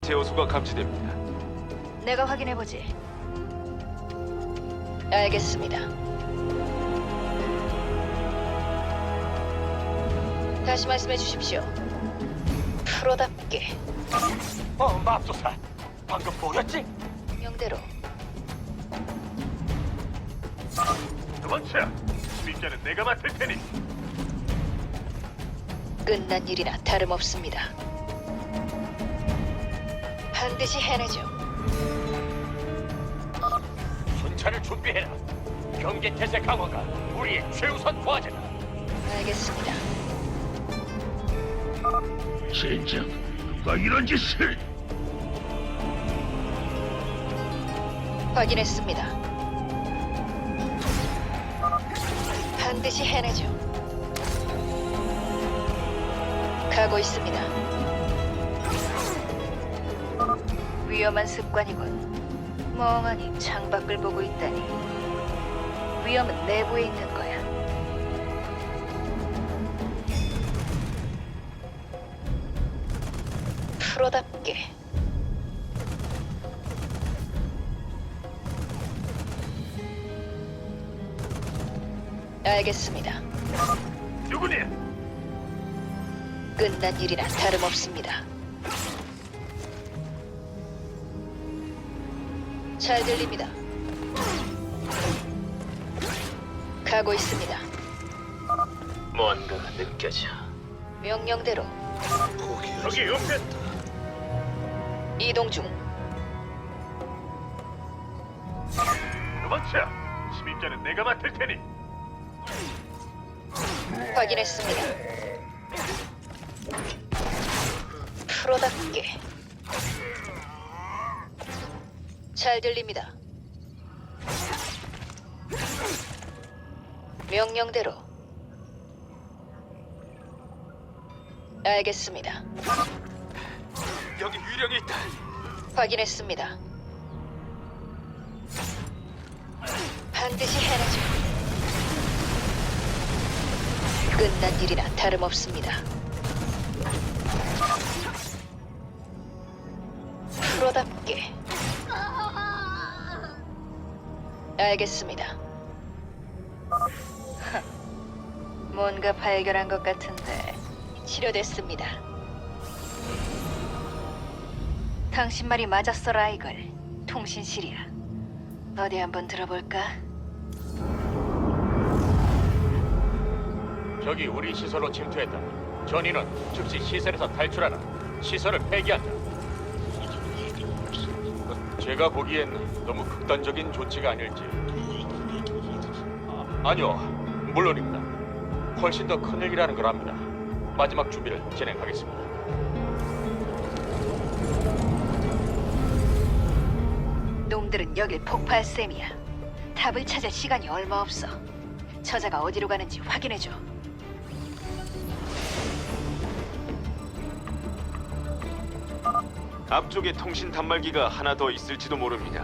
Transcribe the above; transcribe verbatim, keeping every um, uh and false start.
신체 요소가 감지됩니다. 내가 확인해보지. 알겠습니다. 다시 말씀해 주십시오. 프로답게 어, 맙소사. 방금 보였지? 명대로. 도망쳐. 침입자는 내가 맡을 테니. 끝난 일이나 다름없습니다. 반드시 해내죠. 순찰을 준비해라. 경계 태세 강화가 우리의 최우선 과제다. 알겠습니다. 진짜 누가 이런 짓을? 확인했습니다. 반드시 해내죠. 가고 있습니다. 위험한 습관이군. 멍하니 창밖을 보고 있다니. 위험은 내부에 있는 거야. 프로답게. 알겠습니다. 누구니? 끝난 일이나 다름없습니다. 잘 들립니다. 가고 있습니다. 뭔가가 느껴져. 명령대로 저기 옆에 이동 중. 도망쳐. 침입자는 내가 맡을 테니. 확인했습니다. 프로답게. 잘 들립니다. 명령대로. 알겠습니다. 여기 유령이 있다. 확인했습니다. 반드시 해내죠. 끝난 일이나 다름없습니다. 프로답게. 알겠습니다. 뭔가 발견한 것 같은데 치료됐습니다. 당신 말이 맞았어, 라이걸. 통신실이야. 어디 한번 들어볼까? 저기 우리 시설로 침투했다. 전인은 즉시 시설에서 탈출하라. 시설을 폐기한다. 제가 보기엔 너무 극단적인 조치가 아닐지. 아, 아니요, 물론입니다. 훨씬 더 큰 일이라는 걸 압니다. 마지막 준비를 진행하겠습니다. 놈들은 여길 폭파할 셈이야. 탑을 찾을 시간이 얼마 없어. 저자가 어디로 가는지 확인해줘. 앞쪽에 통신 단말기가 하나 더 있을지도 모릅니다.